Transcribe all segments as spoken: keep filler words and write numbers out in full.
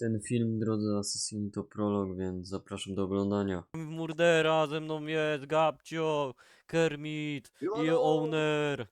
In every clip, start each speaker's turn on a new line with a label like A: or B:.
A: Ten film, drodzy Assassini, to prolog, więc zapraszam do oglądania.
B: Murdera, ze mną jest Gabcio, Kermit i Owner.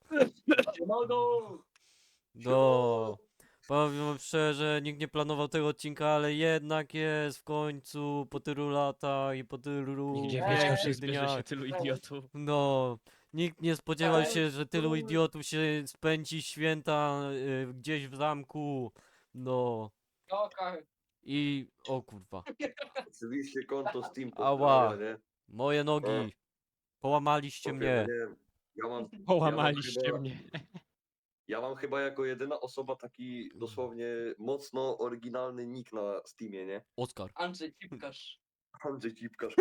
B: No, powiem wam szczerze, nikt nie planował tego odcinka, ale jednak jest w końcu po tylu latach i po tylu
C: Nigdzie
B: pięknych
C: wiedział, że zbierze
B: dniach.
C: się tylu idiotów.
B: No, nikt nie spodziewał się, że tylu idiotów się spędzi święta y, gdzieś w zamku. No,
D: Okej.
B: i o kurwa,
E: Oczywiście konto Steam
B: ała,
E: pozdrawia, nie?
B: moje nogi, połamaliście
E: Okej, no
B: mnie.
E: nie wiem. Ja mam,
C: Połamaliście
E: ja mam chyba,
C: mnie.
E: ja mam chyba jako jedyna osoba taki dosłownie mocno oryginalny nick na Steamie, nie?
B: Oskar.
D: Andrzej Cipkarz.
E: Andrzej Cipkarz.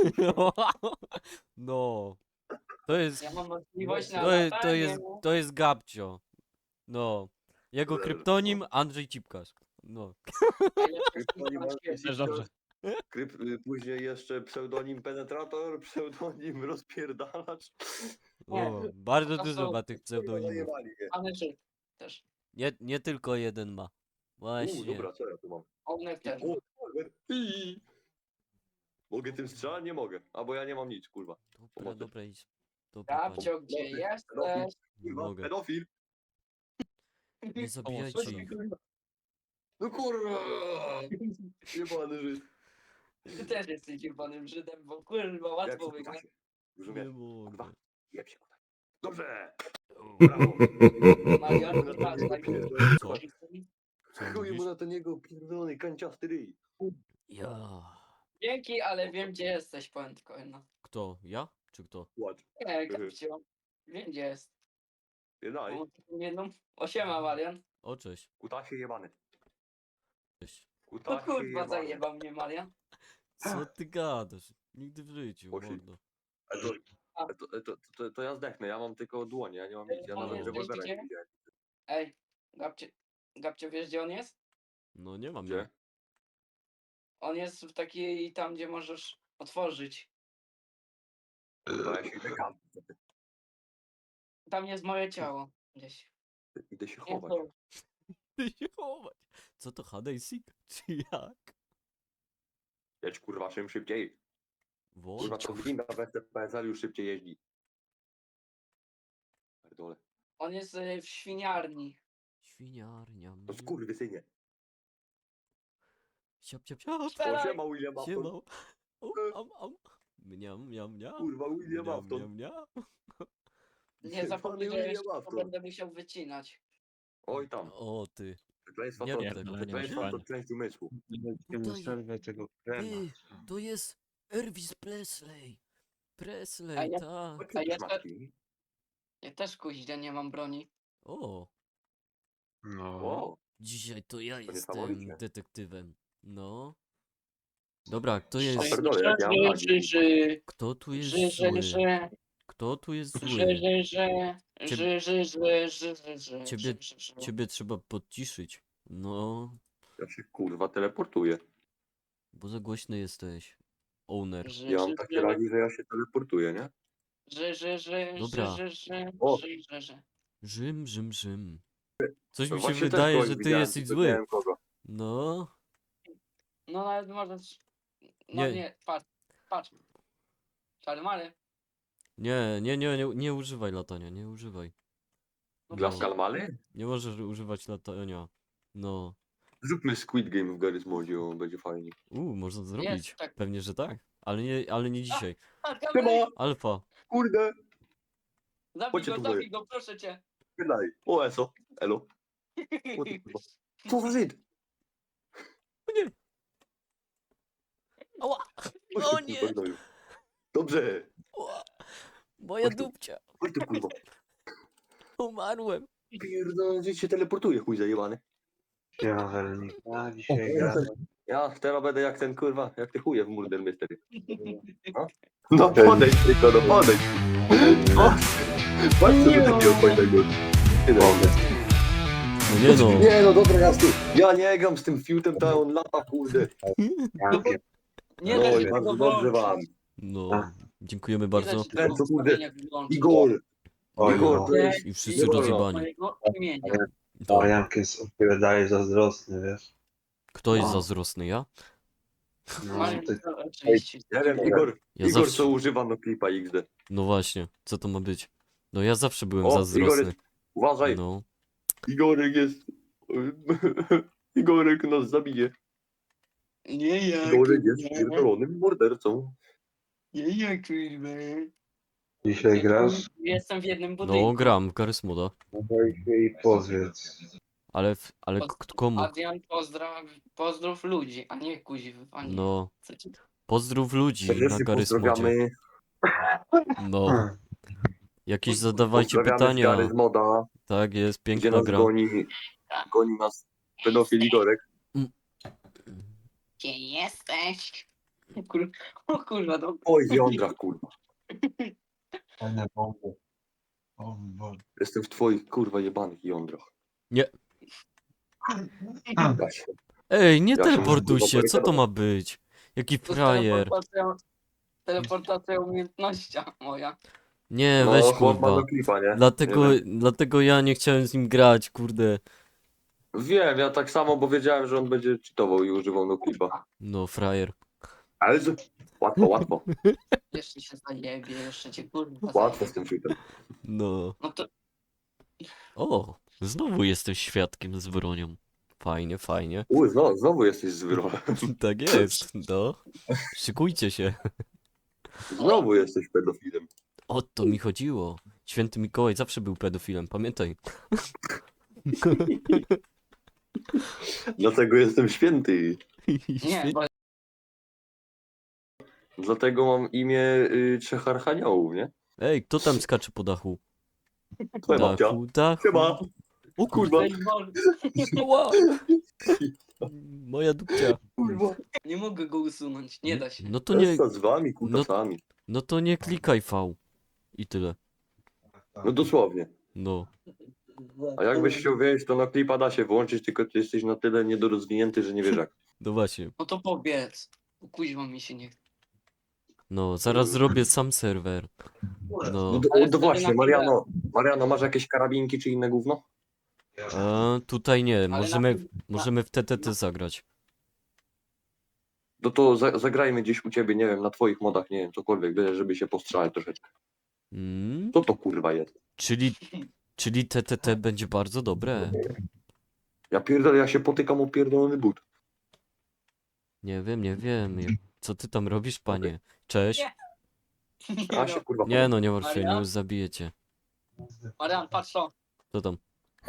B: No, to jest,
D: Ja mam możliwość na
B: to jest, to
D: latanie.
B: jest, to jest Gabcio. No, jego
E: Dobrze,
B: kryptonim Andrzej Cipkarz. No,
E: Kryptonim Andrzej
C: Też dobrze.
E: Kryp, y, później jeszcze pseudonim Penetrator, pseudonim Rozpierdalacz.
B: o, bardzo
D: to
B: dużo
D: są-
B: ma tych pseudonimów.
E: Zajebali mnie.
D: Andrzej też.
B: Nie, nie tylko jeden ma.
E: U,
B: Właśnie.
E: dobra, co ja tu mam?
D: Onek też.
E: O, kurwa. Ii. Mogę tym strzelać? Nie mogę. Albo ja nie mam nic, kurwa.
B: Dobra,
E: pomocy.
B: dobra, idź. Dobra, panie.
D: Gabcio, gdzie
E: Dobry.
D: jesteś?
B: Nie
E: Kurwa,
B: mogę.
E: pedofil.
B: Nie zabijajcie ich.
E: No kurwa! Jebany Żyd.
D: Ty też jesteś jebanym Żydem, bo kurwa łatwo
E: Jak się
D: wygrać.
E: kutasie? Już
B: Nie
E: umiem.
B: mogę.
E: Kurwa. Jeb się kutaj. Dobrze!
B: O,
E: Brawo!
D: Marian,
E: Chuj mu na
D: patrz,
E: ten
D: tak.
E: jego-
B: Co? Co
E: Chuj mu
B: mówisz?
E: na ten jego pierdolony kanciasty ryj.
B: Ja.
D: Dzięki, ale wiem gdzie jesteś, powiem tylko jedno.
B: Kto? Ja? Czy kto?
E: Płacz.
D: Nie, Gabcio. Wiem gdzie jest.
E: Jednaj.
D: Mam taką jedną. Osiema, Marian.
B: O, cześć.
E: Kutasie jebany.
B: Cześć.
D: No
E: Kutasie
D: kurwa,
E: jebany.
D: zajebał mnie Marian.
B: Co ty gadasz? Nigdy w życiu,
E: Osi.
B: mordo.
E: A to, a to, to, to, to ja zdechnę, ja mam tylko dłonie, ja nie mam nic, ja
D: On
E: nawet
D: jest
E: rewolwera
D: gdzieś
E: nie widziałem.
D: Ej, Gabcio, Gabcio, wiesz gdzie on jest?
B: No nie mam.
E: Gdzie?
D: On jest w takiej tam, gdzie możesz otworzyć.
E: Kurwa, ja się idę kam.
D: Tam jest moje ciało. Gdzieś.
E: Idę się
D: Nie,
E: chować.
D: to-
B: Ty się chować. Co to H D Sik? Czy jak?
E: Jedź kurwa czym szybciej. Kurwa
B: Wodź.
E: to winda w S T P S L już szybciej jeździ. Pierdolę.
D: On jest y, w świniarni.
B: Świniarnia.
E: To skurwysynie.
B: Siap, siap, siap.
D: Strzelaj!
E: O, siema William Afton.
B: Siema. O, am, am. Mniam, mniam, mniam.
E: Kurwa William
B: Mniam,
E: Afton.
B: mniam, mniam.
D: Nie zapomnij, że
E: William
D: jeszcze
E: Afton.
D: będę musiał wycinać.
E: Oj tam.
B: O ty.
E: Przekleństwa
B: Nie
E: to,
B: rób tego,
C: Pierdolenie
E: przekleństwa to
C: myślane.
E: część umysłu.
F: Nie
B: Tutaj-
F: przerwę tego krema.
B: Ty, to jest Elvis Presley.
D: A
B: Presley,
D: ja-
B: tak.
D: A ja te-
E: Szmatki.
D: Ja też kuźnia nie mam broni.
B: O,
F: No.
E: O,
B: dzisiaj to ja jestem
E: niesamowicie.
B: detektywem. No. Dobra, kto jest...
E: Szy- pierdolę, jak ja mam
D: Ży,
E: nagi.
D: ży, ży,
B: Kto tu jest
D: ży, ży,
B: zły?
D: ży,
B: Kto tu jest
D: ży,
B: zły?
D: ży, ży,
B: Ciebie-
D: ży, ży, ży, ży, ży, ży,
B: Ciebie-
D: ży, ży, ży.
B: Ciebie trzeba podciszyć. No,
E: Ja się kurwa teleportuję.
B: bo za głośny jesteś. Owner.
D: Ży,
E: Ja mam
D: ży,
E: takie
D: ży,
E: lagi, że ja się teleportuję, nie?
D: ży, ży, ży,
B: Dobra.
D: ży, ży,
E: O.
D: ży, ży, ży.
B: Rzym, Rzym, Rzym. Coś
E: No
B: mi się
E: właśnie też
B: wydaje,
E: kogoś
B: że ty
E: widziałem,
B: jesteś
E: tylko
B: zły.
E: nie wiem kogo.
B: No,
D: No nawet możesz... No
B: Nie.
D: nie, patrz, patrz. Czarny Mary.
B: nie, nie, nie, nie, nie używaj latania, nie używaj.
D: No
E: Dla
D: właśnie-
E: Skalmany?
B: Nie możesz używać latania. No.
E: Zróbmy Squid Game w Garry's Modzie, o, będzie fajnie.
B: Uuu, można zrobić.
D: tak.
B: Pewnie, że tak. Ale nie, ale nie dzisiaj.
D: A, kamery!
E: Chyba,
B: Alfa.
E: kurde,
D: Zabij
E: Chodźcie
D: go,
E: tu,
D: zabij go, proszę cię.
E: wydaj. O, eso, elo. O ty kurwa. Co za Żyd?
B: Ała!
E: Chodź
B: O
E: tu,
B: nie!
E: kurwa, gnoju. Dobrze,
B: Ła! Moja
E: Chodź tu.
B: dupcia.
E: chodź tu kurwa.
B: Umarłem.
E: Pierdolę, gdzieś się teleportuje, chuj zajebany.
F: Ja Wernika dzisiaj gra.
E: Ja teraz będę jak ten kurwa, jak ty chuje w Murder Mystery. No, no podejdź tylko, no podejdź. O, patrz co ty takiego fajnego.
B: No nie no.
E: Nie no, dobra, ja, z tym, ja nie gram z tym fiutem, to on lata, kurde.
F: Ja pier-
D: Nie
E: No
D: da
E: i
D: się
E: bardzo
D: tego
E: dobrze
D: włączyć.
E: wam.
B: No. Dziękujemy
D: Nie da
B: bardzo.
D: się tego
E: Co, kurde?
D: ustawienia wyłączyć.
E: Igor,
F: Oj,
E: Igor,
F: no.
E: to jest...
B: I wszyscy
E: Igor,
B: rozjebani.
D: Mojego imienia.
B: To.
F: O, Jank jest od ciebie dalej zazdrosny, wiesz.
B: Kto jest
E: No.
B: zazdrosny, ja?
F: No,
D: Marian,
F: ty,
D: to oczywiście.
E: Ja wiem, Igor,
B: Ja
E: Igor
B: zawsze...
E: co używa no klipa X D.
B: No właśnie, co to ma być? No ja zawsze byłem
E: O, Igor
B: zazdrosny.
E: jest, uważaj,
B: No,
E: Igorek jest, Igorek nas zabije.
D: Nie ja,
E: Igorek jest
D: kurwa.
E: pierdolonym mordercą.
D: Nie ja, kurwa.
F: dzisiaj grasz?
D: Jestem w jednym budynku.
B: no gram w Garry's Moda.
F: No daj się i powiedz.
B: Ale, w, ale k- komu?
D: Adrian, pozdraw, pozdrów ludzi, a nie kuźw, a nie.
B: No,
D: Co ci-
B: pozdrów ludzi na
E: Serdecznie
B: Garry's Modzie.
E: pozdrawiamy,
B: No,
F: Hmm.
B: jakieś zadawajcie
E: pozdrawiamy z
B: pytania.
E: Gary z Moda,
B: Tak jest,
E: gdzie
B: piękna
E: nas
B: gra.
E: goni, goni nas pedofil Igorek.
D: Gdzie jesteś? O kur... o kurwa, no.
E: Oj, w jądrach, kurwa.
F: Fajne bomby. Bomby.
E: Jestem w twoich, kurwa, jebanych jądrach.
B: Nie.
E: Ja się-
B: Ej, nie
E: Ja się
B: teleportuj
E: muszę
B: się, co to
E: zabarykadować.
B: ma być? Jaki
D: To jest
B: frajer.
D: teleportacja, teleportacja umiejętnościa moja.
B: Nie,
E: No,
B: weź
E: chłop ma
B: kurwa.
E: do klipa, nie?
B: Dlatego,
E: Nie wiem.
B: dlatego ja nie chciałem z nim grać, kurde.
E: Wiem, ja tak samo, bo wiedziałem, że on będzie cheatował i używał no klipa.
B: No, frajer.
E: Ale z... łatwo, łatwo.
D: Jeszcze się zajebie, jeszcze cię kurwa
E: Łatwo z
D: zajebie.
E: tym cheatem.
B: No.
D: No to
B: O, znowu jesteś świadkiem z bronią. Fajnie, fajnie.
E: Uj, znowu, znowu jesteś zwyrolem.
B: Tak jest, no. Szykujcie się.
E: Znowu jesteś pedofilem.
B: O to mi chodziło. Święty Mikołaj zawsze był pedofilem, pamiętaj.
E: Dlatego jestem święty.
D: nie, bo
E: Dlatego mam imię y, trzech archaniołów, nie?
B: Ej, kto tam skacze po dachu?
E: Twoja babcia.
B: Dachu, dachu.
E: Chyba.
B: O
E: Kurwa.
B: kurwa.
D: Ej, Boże,
B: Ła. Moja dupcia.
E: Kurwa.
D: nie mogę go usunąć, nie da się.
B: No to nie,
E: Z wami, kutasami.
B: no to nie klikaj V. I tyle.
E: No dosłownie.
B: No.
E: A jakbyś chciał wiedzieć, to na klipa da się włączyć, tylko ty jesteś na tyle niedorozwinięty, że nie wiesz jak.
B: No właśnie.
D: No to powiedz. Bo kuźwa mi się nie chce.
B: No, zaraz zrobię sam serwer.
E: No,
B: No.
E: to,
D: Ale
E: to
D: wtedy
E: właśnie,
D: na
E: Mariano, Mariano, masz jakieś karabinki czy inne gówno?
B: A, tutaj nie,
D: na
B: możemy,
D: tym-
B: możemy w T T T zagrać.
E: No to za, zagrajmy gdzieś u ciebie, nie wiem, na twoich modach, nie wiem, cokolwiek, byle żeby się postrzelać troszeczkę.
B: Mm,
E: Co to kurwa jest?
B: czyli, czyli T T T będzie bardzo dobre.
E: Ja pierdolę, ja się potykam o pierdolony but.
B: Nie wiem, nie wiem. Co ty tam robisz, panie? Cześć.
E: A się kurwa
B: Nie no, nie martw się, nie
D: Maria?
B: już zabijecie.
D: Marian, patrz to.
B: Co tam?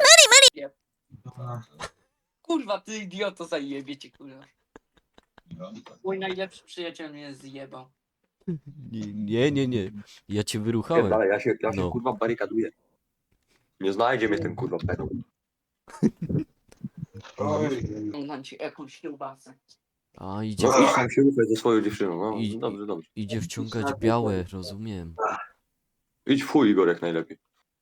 D: Kurwa, ty idioto, zajebie cię, kurwa. Mój najlepszy przyjaciel mnie zjebał.
B: Nie, nie, nie, nie. Ja cię wyruchałem.
E: Pierdolę, ja się, ja się
B: No.
E: kurwa barykaduję. Nie znajdzie mnie ten kurwa pedał.
F: Oj.
D: Dam ci jakąś kiełbasę.
B: A, idzie,
E: No idź tam się ruchaj ze swoją dziewczyną, no
B: I-
E: dobrze, dobrze.
B: idzie wciągać białe, rozumiem.
E: Idź w chuj Igor jak najlepiej.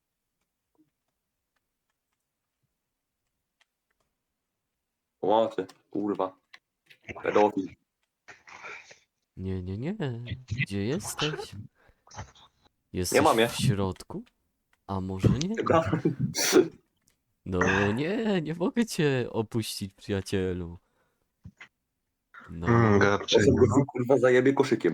E: Łaty, kurwa. Pedofil.
B: Nie, nie, nie. Gdzie jesteś? Jesteś
E: Nie mam je.
B: w środku? A może nie? No nie, nie mogę cię opuścić, przyjacielu. No,
F: Mm,
E: Ja
F: Gabczyk,
E: sobie
F: no.
E: go kurwa zajebie koszykiem.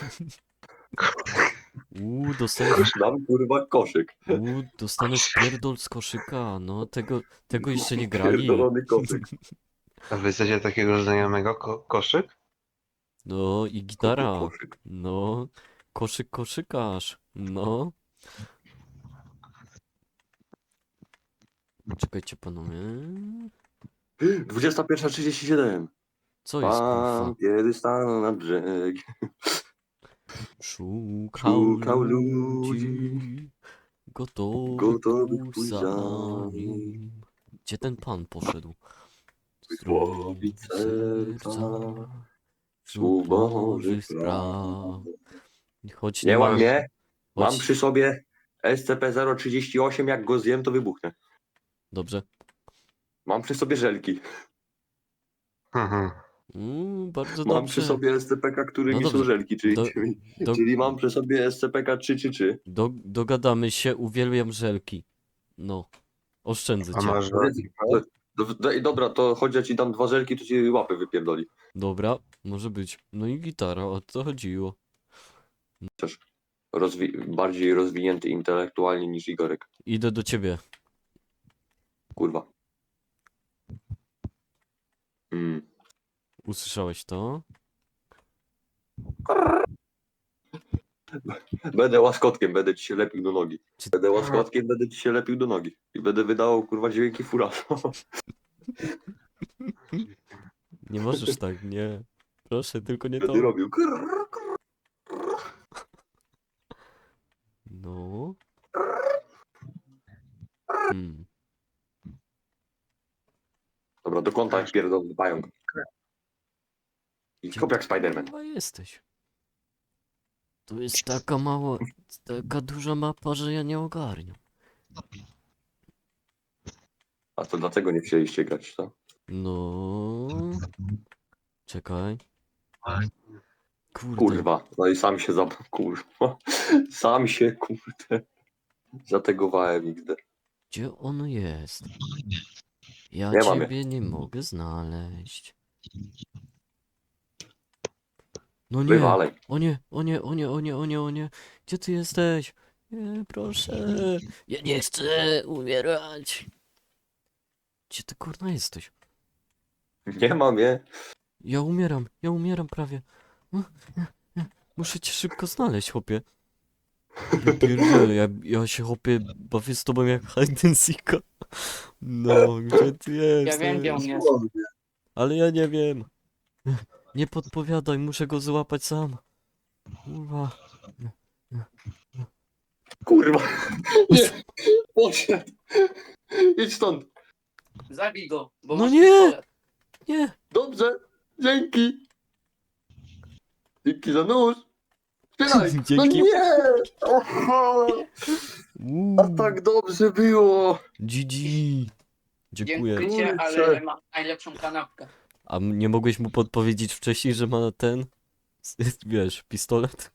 B: uuu, dostaniesz,
E: Dam kurwa koszyk.
B: uuu, dostaniesz pierdol z koszyka, no tego, tego jeszcze nie grali.
E: Pierdolony koszyk.
F: A wy chcecie takiego znajomego ko koszyk?
B: No i gitara,
E: Koszyk.
B: no, koszyk, koszykarz, no. Czekajcie panowie,
E: dwudziesta pierwsza trzydzieści siedem.
B: co jest kurwa?
E: Pan kiedy stanął na brzeg.
B: Szukał
E: Szukał
B: ludzi,
E: ludzi,
B: gotowych
E: gotowych
B: pójść
E: pójść
B: za
E: za
B: nim.
E: nim.
B: Gdzie ten pan poszedł?
E: Wyłowić serca,
B: wśród
E: słów
B: Bożych
E: Bożych
B: spraw. Choć
E: Nie
B: nie
E: mam,
B: ma,
E: nie? Mam
B: choć...
E: przy sobie S C P zero trzydzieści osiem, jak go zjem, to wybuchnę.
B: Dobrze.
E: Mam przy sobie żelki.
F: Mhm.
B: Mm, bardzo
E: Mam
B: dobrze.
E: przy sobie S C P K, którymi
B: No
E: są
B: dobrze.
E: żelki, czyli,
B: Do-
E: czyli,
B: do-
E: czyli mam przy sobie S C P K trzy trzy trzy.
B: Do, dogadamy się, uwielbiam żelki. No. Oszczędzę
F: A
B: cię.
F: masz
E: Powiedz,
F: żelki,
E: po- Do, do, i dobra, to chodź, ja ci dam dwa żelki, to ci łapy wypierdoli.
B: Dobra, może być. No i gitara, o to chodziło.
E: Rozwi bardziej rozwinięty intelektualnie niż Igorek.
B: Idę do ciebie.
E: Kurwa. Mm.
B: Usłyszałeś to?
E: Będę łaskotkiem, będę ci się lepił do nogi.
B: Czy-
E: Będę łaskotkiem, będę ci się lepił do nogi. I będę wydawał, kurwa, dźwięki fura.
B: Nie możesz tak, nie. Proszę, tylko nie to.
E: Będę robił.
B: No. Hmm.
E: Dobra, do kąta jak pierdolny pająk. I kop jak Spiderman.
B: Chyba jesteś. To jest taka mała, taka duża mapa, że ja nie ogarniam.
E: A to dlatego nie chcieliście grać, co?
B: No. Czekaj. Kurde.
E: Kurwa. No i sam się za... Kurwa. Sam się, kurde. Zategowałem nigdy.
B: Gdzie on jest? Ja
E: Nie mam
B: ciebie nie mogę znaleźć. No nie.
E: Wywalej.
B: O nie, o nie, o nie, o nie, o nie, o nie. Gdzie ty jesteś? Nie, proszę. Ja nie chcę umierać. Gdzie ty kurna jesteś?
E: Nie mam je.
B: Ja umieram, ja umieram prawie. No, nie, nie. Muszę cię szybko znaleźć, chłopie. Ja pierdzielę, ja, ja się chłopie bawię z tobą jak hide and seeka. No, gdzie ty jesteś?
D: Ja wiem, gdzie on jest.
B: Ale ja nie wiem. Nie podpowiadaj, muszę go złapać sam. Kurwa.
E: Kurwa. Nie. Poszedł. Idź stąd.
D: Zabij go, bo
B: No
D: masz
B: nie!
D: pistolet.
B: Nie.
E: Dobrze. Dzięki. Dzięki za nóż. Strzelaj. No
B: Dzięki.
E: nie. Oho.
B: Uuu,
E: A tak dobrze było.
B: G G. Dziękuję.
D: Dziękuję cię,
E: Kurczę.
D: ale ma najlepszą kanapkę.
B: A m- nie mogłeś mu podpowiedzieć wcześniej, że ma ten, s- wiesz, pistolet?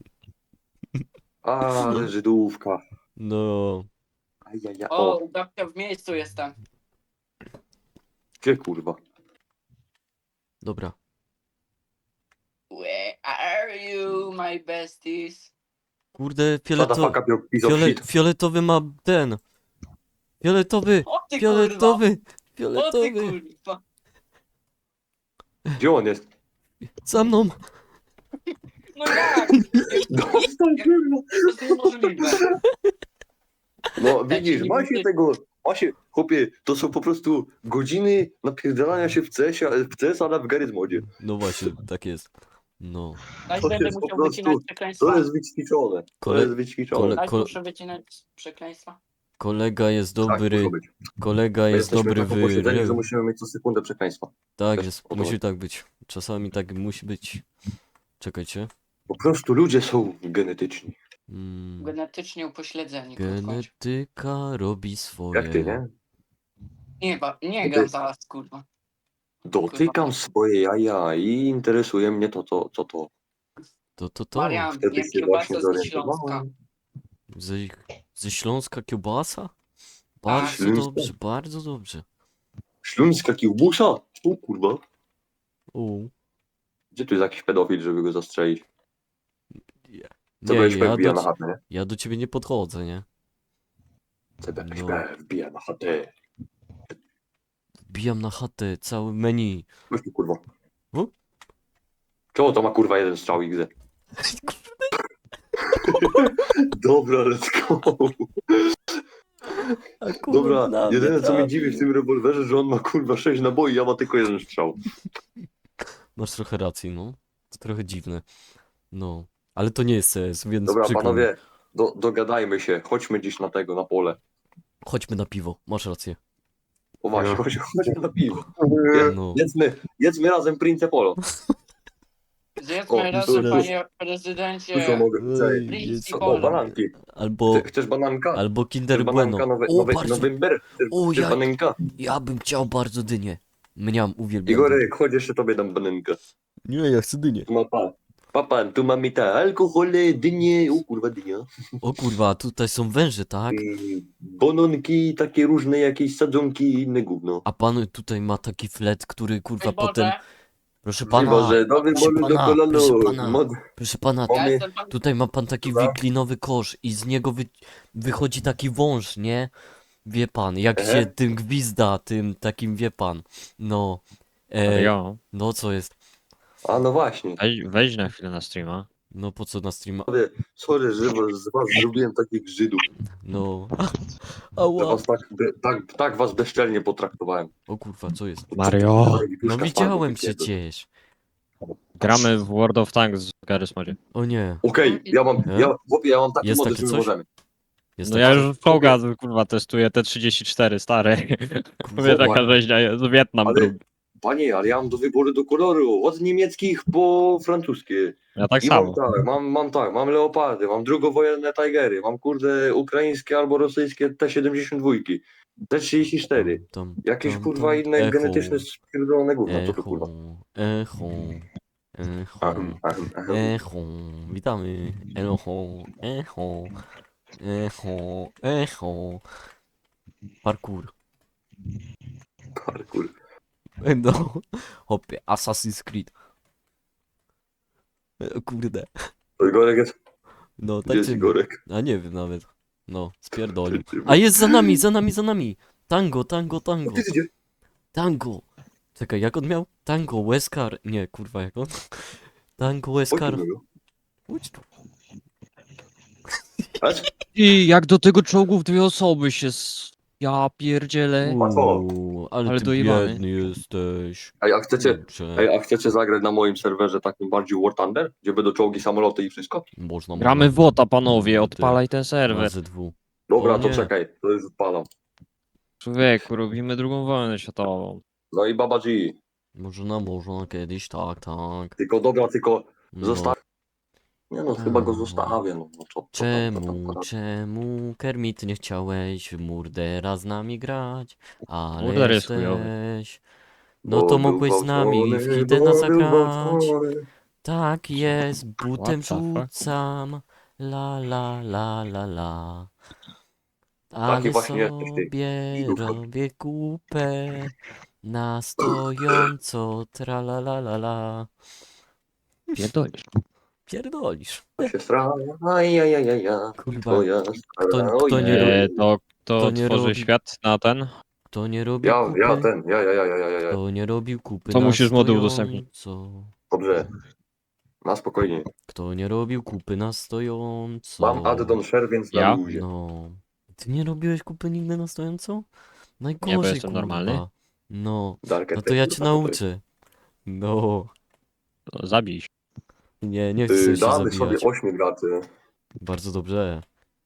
E: Ale Żydówka.
B: No,
E: Ajaja.
D: O,
E: O,
D: u babcia w miejscu jestem.
E: gdzie kurwa?
B: dobra.
D: Where are you, my besties?
B: Kurde,
E: Shut the fuck
B: fioletowy,
E: up, you piece of
B: fiole,
E: shit.
B: fioletowy ma ten. Fioletowy,
D: O ty kurwa!
B: fioletowy,
D: O ty
B: fioletowy.
D: kurwa!
E: Gdzie on jest?
B: Za mną.
D: No jak?
E: Dostał, kurwa.
D: To jest niemożliwe.
E: No
D: Tak
E: widzisz,
D: się
E: ma
D: nie
E: się
D: mówi.
E: tego, ma się, chłopie, to są po prostu godziny napierdalania się w C S, w C S, ale w Garry's Modzie.
B: No właśnie, tak jest. No.
D: Daj
E: To
D: będę
E: jest po
D: musiał
E: prostu-
D: wycinać
E: To
D: przekleństwa.
E: jest wyćwiczone, to
B: Kole-
E: jest wyćwiczone.
B: kole-
D: Daj
B: ko-
D: muszę wycinać przekleństwa.
B: Kolega jest
E: Tak,
B: dobry,
E: muszą być.
B: kolega
E: My
B: jest
E: jesteśmy
B: dobry
E: tak
B: w...
E: posiedzeni, że
B: re-
E: musimy mieć co sekundę przekleństwa.
B: Tak
E: też
B: jest,
E: o to
B: musi
E: chodzi.
B: tak być. Czasami tak musi być. Czekajcie.
E: Po prostu ludzie są genetyczni.
B: Mm,
D: Genetycznie upośledzeni. kurwa.
B: genetyka robi swoje.
E: Jak ty, nie?
D: Nie, ba- nie
E: Ty-
D: gram zaraz, kurwa.
E: Dotykam swoje jaja i interesuje mnie to, to, co to.
B: To, to, to.
D: Marian,
E: Wtedy
D: jem
E: się
D: kiełbasę
E: właśnie
D: ze Śląska.
E: zorientowałem.
B: Ze, ze Śląska kiełbasa?
D: Tak.
B: Bardzo
E: Śląska.
B: dobrze, bardzo dobrze.
E: Śląska kiełbusa? O kurwa.
B: U.
E: Gdzie tu jest jakiś pedofil, żeby go zastrzelić? Co
B: Nie,
E: będziesz
B: ja
E: wbija
B: do,
E: na
B: ci-
E: chatę, nie?
B: ja do ciebie nie podchodzę, nie?
E: C B
B: No.
E: wbija na chatę.
B: Wbijam na chatę, cały menu.
E: Weź tu kurwa.
B: U?
E: Czemu to ma kurwa jeden strzał X D? Dobra, let's go. Dobra, jedyne co mnie dziwi w tym rewolwerze, że on ma kurwa sześć naboi, ja ma tylko jeden strzał.
B: Masz trochę racji, no. To trochę dziwne. No. Ale to nie jest C S, więc
E: Dobra,
B: przykro mi.
E: panowie, do, dogadajmy się, chodźmy dziś na tego, na pole.
B: Chodźmy na piwo, masz rację.
E: O właśnie,
F: No.
E: chodź, chodźmy na piwo.
B: No.
E: Jedzmy, jedzmy razem Prince Polo.
D: Zjedzmy
E: O,
D: razem,
B: dobra.
D: panie
E: Dużo
D: prezydencie.
E: mogę.
B: Ej,
D: Prince
B: jest-
E: O,
D: Polo.
E: bananki.
B: Albo,
E: Chce- Chcesz bananka?
B: albo
E: Chcesz
B: Kinder
E: bananka,
B: Bueno.
E: nowe,
B: O,
E: nowe,
B: bardzo,
E: November? Chcesz,
B: O,
E: chcesz
B: ja-
E: bananka?
B: ja bym chciał bardzo dynię. Mniam, uwielbiam.
E: Igorek, chodź jeszcze tobie dam banankę.
B: Nie, ja chcę dynię.
E: Ma pa. Papa, tu mamy te alkohole, dynie, o kurwa dynia.
B: O kurwa, tutaj są węże, tak?
E: I bononki, takie różne jakieś sadzonki i inne gówno.
B: A pan tutaj ma taki flet, który kurwa
D: Ej Boże,
B: potem... Proszę
E: Pana,
B: pana,
E: Boże, do wyboru do
B: pana,
E: kolonu.
B: proszę pana.
E: Mod...
B: proszę pana,
D: ja
E: Mamy-
D: jestem pan...
B: tutaj ma pan taki
E: Dobra.
B: wiklinowy kosz i z niego wy... wychodzi taki wąż, nie? Wie pan, jak
E: Ehe.
B: się tym gwizda, tym takim, wie pan. No, e,
C: Mario,
B: no co jest?
E: A no właśnie.
C: weź, wejdź na chwilę na streama.
B: No po co na streama?
E: Sorry, sorry, że was- z was zrobiłem takich Żydów.
B: No,
E: Że
B: ała.
E: was tak, be- tak, tak was bezczelnie potraktowałem.
B: O kurwa, co jest?
C: Mario!
B: No widziałem przecież.
C: Gramy w World of Tanks z Garry's Modzie.
B: O nie,
E: Okej, ja mam,
B: E?
E: ja, chłopie, ja mam taki
B: Jest
E: model,
B: takie
E: że
B: coś?
E: możemy.
B: jest
C: No
B: taki-
C: ja już w Koga, kurwa, testuję T trzydzieści cztery, stary. Mówię, taka rzeźnia jest, Wietnam
E: Ale-
C: drugi.
E: Panie, ale ja mam do wyboru do koloru, od niemieckich po francuskie.
C: Ja tak
E: I mam
C: samo.
E: tak, mam, mam tak, mam leopardy, mam drugowojenne Tigery, mam kurde ukraińskie albo rosyjskie T siedemdziesiąt dwa, T trzydzieści cztery.
B: Tam,
E: Jakieś
B: tam,
E: kurwa
B: tam.
E: inne
B: Echo,
E: genetyczne spierdolone gówno, co to kurwa.
B: Echo, echo, echo,
E: Ahem, ahem, ahem.
B: echo, witamy, echo, echo, echo, echo, parkour.
E: Parkour.
B: No, hopie, Assassin's Creed. E, Kurde,
E: To Igorek jest,
B: no
E: gdzie jest
B: tak
E: Igorek?
B: A nie wiem nawet. No, spierdolił. A jest za nami, za nami, za nami. Tango, tango, tango.
E: Ty, ty, ty.
B: Tango. Czekaj, jak on miał? Tango, Weskar. Nie, kurwa, jak on? Tango,
E: Chodź
B: Weskar.
E: do niego.
B: Chodź tu.
E: Patrz,
C: I jak do tego czołgów dwie osoby się s... Ja pierdzielę.
E: Łatwo.
B: Uuu, ale,
C: Ale
B: ty
C: dojebany.
B: biedny jesteś.
E: Ej, a chcecie,
B: Kurczę.
E: ej, a chcecie zagrać na moim serwerze takim bardziej War Thunder, gdzie będą czołgi, samoloty i wszystko?
B: Można,
C: Gramy w
B: można.
C: WOTA, panowie, odpalaj ten serwer.
B: Na Z dwa.
E: Dobra,
B: O
E: to
B: nie.
E: czekaj, to już odpalam.
C: Człowieku, robimy drugą wojnę światową.
E: No i Baba G.
B: Można, można, kiedyś, tak, tak.
E: Tylko dobra, tylko
B: No.
E: zostaw. Nie no, chyba go
B: A.
E: zostawię, no. no co, co tam, co tam,
B: Czemu,
E: co tam.
B: czemu, Kermit, nie chciałeś w Murdera z nami grać? Ale
C: Murder jest chujowy.
B: jesteś... No
E: Bo
B: to
E: był
B: mogłeś z nami w
E: gwałcony,
B: Hidena
E: bo był
B: zagrać.
E: gwałcony.
B: Tak jest, butem
C: What the fuck?
B: rzucam. La la la la la.
E: Taki
B: Ale
E: właśnie jesteś ty,
B: sobie
E: Żydówko.
B: robię kupę. Na stojąco, tra la la la la.
C: Pierdolisz.
B: Pierdolisz.
E: To się stra... Ajajajaja.
B: Kurwa,
E: Twoja
B: kto-
E: stara,
B: kto
E: ojej.
B: nie
C: E, to kto
B: to nie
C: tworzy
B: robi-
C: świat na ten?
B: kto nie robi
E: Ja,
B: kupy,
E: ja ten, ja, ja, ja, ja, ja, ja.
B: kto nie robił kupy
C: To
B: na
C: musisz mody udostępnić.
B: stojąco.
E: Dobrze. Na spokojnie.
B: Kto nie robił kupy na stojąco.
E: Mam addon share, więc na
C: Ja?
E: luzie.
B: No. Ty nie robiłeś kupy nigdy na stojąco? Najgorzej,
C: Nie, bo jestem
B: kurwa.
C: normalny.
B: No,
E: Dark
B: no to ja cię nauczę. No.
C: To zabij się.
B: Nie, nie chcę
E: Yy,
B: się
E: damy
B: zabijać.
E: sobie ośmiu graczy.
B: Bardzo dobrze.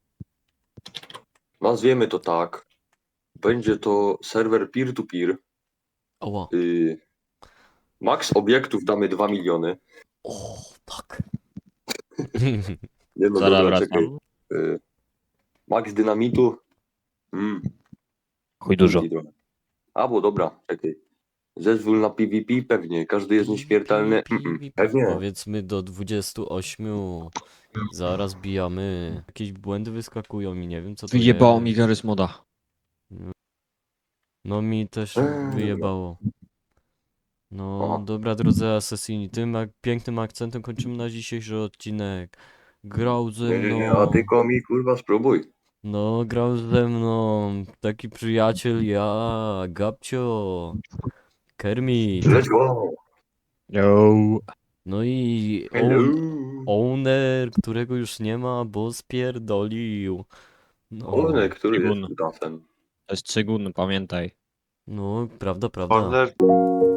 E: Nazwiemy to tak. Będzie to serwer peer-to-peer.
B: Oła.
E: Yy, max obiektów damy dwa miliony.
B: O, tak.
E: Nie no,
C: Zaraz
E: dobra, czekaj.
C: wracam.
E: Yy, max dynamitu. Mm,
C: Chuj dużo.
E: trochę. A, bo dobra, czekaj. Zezwól na PvP? Pewnie. Każdy jest nieśmiertelny.
B: Pi, pi,
E: Mm-mm.
B: pi,
E: Pewnie.
B: Powiedzmy do dwudziestu ośmiu. Zaraz bijamy. Jakieś błędy wyskakują i nie wiem co to
C: Wyjebało
B: jest.
C: mi Garry's Moda.
B: No mi też
E: Eee,
B: wyjebało. No
E: O.
B: dobra drodzy asesini, tym ak- pięknym akcentem kończymy na dzisiejszy odcinek. Grał ze
E: Nie, nie, nie, a
B: mną.
E: ty komi, kurwa, spróbuj.
B: No grał ze mną taki przyjaciel ja, Gabcio, Kermit,
E: Let's go.
C: Yo.
B: no i
E: Hello.
B: own, owner, którego już nie ma, bo spierdolił. No,
E: One, który
C: Tygun.
E: jest kutasem.
C: To jest Cygun, pamiętaj.
B: no prawda, prawda.
F: Order